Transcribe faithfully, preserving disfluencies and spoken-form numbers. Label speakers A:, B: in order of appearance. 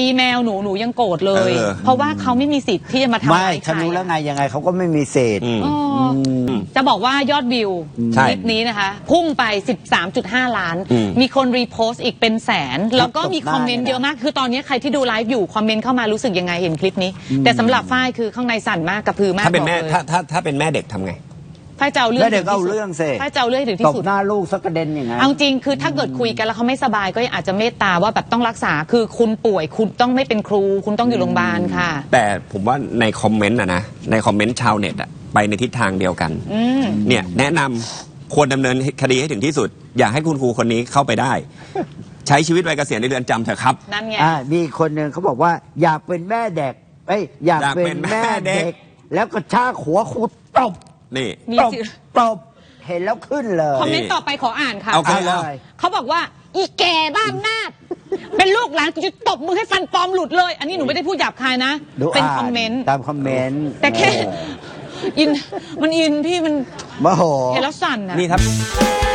A: ตีแมวหนูหนูยังโกรธเลย
B: เออ
A: เพราะว่าเขาไม่มีสิทธิ์ที่จะมาทำ
C: ไม่
A: ร้ายใค
C: ฉั
A: ร
C: นรู้แล้วไงยังไงเขาก็ไม่มีเศษ
B: อืม
A: อ๋ออจะบอกว่ายอดวิว
B: ใช่
A: คลิปนี้นะคะ พุ่งไป สิบสามจุดห้า ล้าน
B: อืม
A: มีคนรีโพสต์อีกเป็นแสน แล้วก็มีคอมเมนต์
C: ตบหน้า
A: เยอะมาก คือตอนนี้ใครที่ดูไลฟ์อยู่ คอมเมนต์เข้ามารู้สึกยังไงเห็นคลิปนี้ แต่สำหรับฝ้ายคือข้างในสั่นมากกระพือมาก
B: ถ้าเป็นแม่
A: บอกเลย
B: ถ้าถ้าถ้าเป็นแม่เด็กทำไง
A: ฝ้ายจะเอาเรื่อง
C: แล้วเด็กก็เอาเรื่องสิ
A: ฝ้ายจะเอาเรื่องให้ถึง
C: ต
A: ที่
C: บ
A: สุด
C: หน้าลูกสักกระเด็นอย่างนั้น
A: เอาจริงคือถ้าเกิดคุยกันแล้วเขาไม่สบายก็อาจจะเมตตาว่าแบบต้องรักษาคือคุณป่วยคุณต้องไม่เป็นครู คุณต้องอยู่โรงพยาบาลค่ะ
B: แต่ผมว่าในคอมเมนต์อะนะในคอมเมนต์ชาวเน็ตอะไปในทิศทางเดียวกัน
A: อืม
B: เนี่ยแนะนำควรดำเนินคดีให้ถึงที่สุด อยากให้คุณครูคนนี้เข้าไปได้ ใช้ชีวิตวัยเกษียณในเรือนจำเถอะครับ
A: นั่นไง
C: อ่ามีคนหนึ่งเขาบอกว่าอยากเป็นแม่เด็กเอ้ยอยาก
B: อยาก
C: เป็
B: เป็น น
C: แม่
B: แม่เด็
C: เด็
B: ก
C: ก แล้วก็ชากหัวครูตบ
B: นี่
A: มี
C: ตบ
A: สิ
C: ตบเห็นแล้วขึ้นเลย
A: คอมเมนต์ต่อไปขออ่านค่ะ
B: เอา
C: เอาเลย
A: เขาบอกว่า อีแก่บ้านนาดเป็นลูกหลานกูจะตบมือให้ฟันปลอมหลุดเลย อันนี้หนูไม่ได้พูดหยาบคายนะ
C: ดู
A: เป็น
C: อ่า
A: คอมเมนต์
C: ตามคอมเมนต์
A: แต่แค่อินมันอินพี่มัน
C: โมโห
A: เห็นแล้วสั่นอะ
B: นี่ครับ